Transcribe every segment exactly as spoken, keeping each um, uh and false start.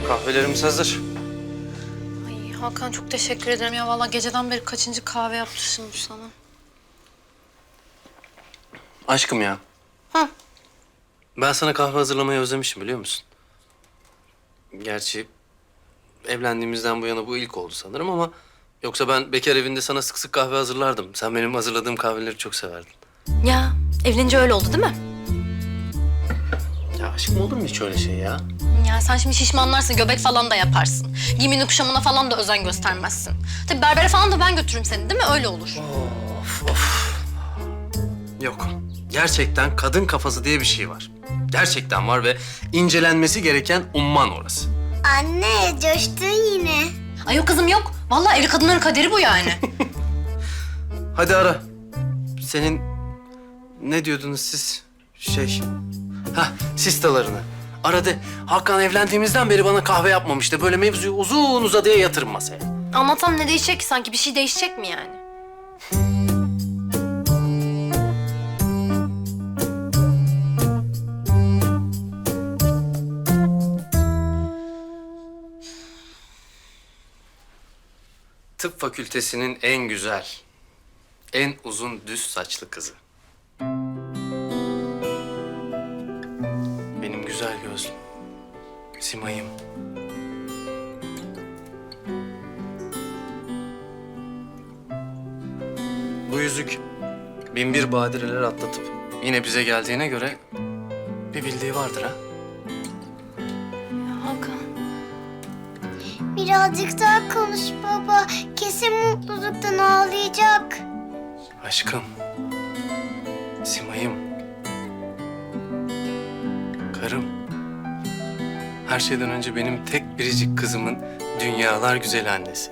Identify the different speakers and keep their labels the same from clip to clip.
Speaker 1: Kahvelerimiz hazır.
Speaker 2: Ay Hakan çok teşekkür ederim ya. Vallahi geceden beri kaçıncı kahve yaptırmışım bu sana.
Speaker 1: Aşkım ya.
Speaker 2: Hı.
Speaker 1: Ben sana kahve hazırlamayı özlemişim biliyor musun? Gerçi evlendiğimizden bu yana bu ilk oldu sanırım ama... Yoksa ben bekar evinde sana sık sık kahve hazırlardım. Sen benim hazırladığım kahveleri çok severdin.
Speaker 2: Ya evlenince öyle oldu değil mi?
Speaker 1: Ya aşkım olur mu hiç öyle şey ya?
Speaker 2: Ya sen şimdi şişmanlarsın, göbek falan da yaparsın. Giyimine kuşamına falan da özen göstermezsin. Tabii berbere falan da ben götürürüm seni değil mi? Öyle olur.
Speaker 1: Of of. Yok. Gerçekten kadın kafası diye bir şey var. Gerçekten var ve incelenmesi gereken umman orası.
Speaker 3: Anne, coştun yine.
Speaker 2: Ay yok kızım yok. Vallahi evli kadınların kaderi bu yani.
Speaker 1: Hadi ara. Senin ne diyordunuz siz? Şey... Hah, sistalarını. Ara de. Hakan evlendiğimizden beri bana kahve yapmamıştı. Böyle mevzuyu uzun uzadıya yatırın masaya.
Speaker 2: Anlatsam ne değişecek ki sanki? Bir şey değişecek mi yani?
Speaker 1: Tıp fakültesinin en güzel, en uzun düz saçlı kızı. Benim güzel gözlüm, Simay'ım. Bu yüzük bin bir badireler atlatıp yine bize geldiğine göre bir bildiği vardır ha.
Speaker 2: Ya Hakan.
Speaker 3: Birazcık daha konuş baba. Kesin mutluluktan ağlayacak.
Speaker 1: Aşkım, Simay'ım, karım. Her şeyden önce benim tek biricik kızımın dünyalar güzel annesi.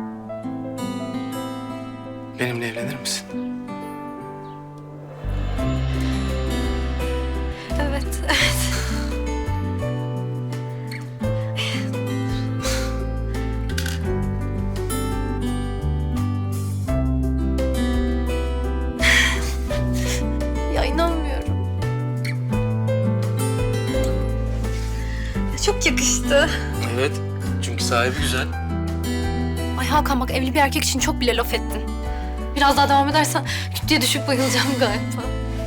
Speaker 1: Benimle evlenir misin?
Speaker 2: Evet, evet. Ya inanmıyorum. Çok yakıştı.
Speaker 1: Evet, çünkü sahibi güzel.
Speaker 2: Ay Hakan bak evli bir erkek için çok bile laf ettin. Biraz daha devam edersen küt diye düşüp bayılacağım galiba.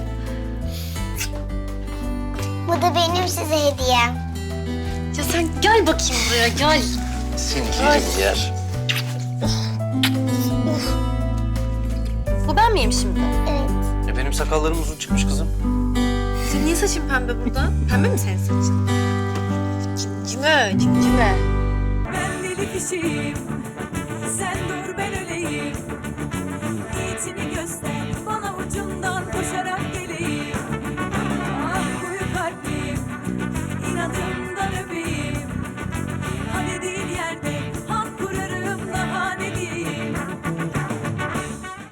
Speaker 3: Bu da benim size hediyem.
Speaker 2: Ya sen gel bakayım buraya gel.
Speaker 1: Seni yerim yer.
Speaker 2: Bu ben miyim şimdi?
Speaker 3: Evet.
Speaker 1: E benim sakallarım uzun çıkmış kızım.
Speaker 2: Senin niye saçın pembe burada? Pembe mi senin saçın? Cimcime, cimcime.
Speaker 4: Ben deli kişiyim,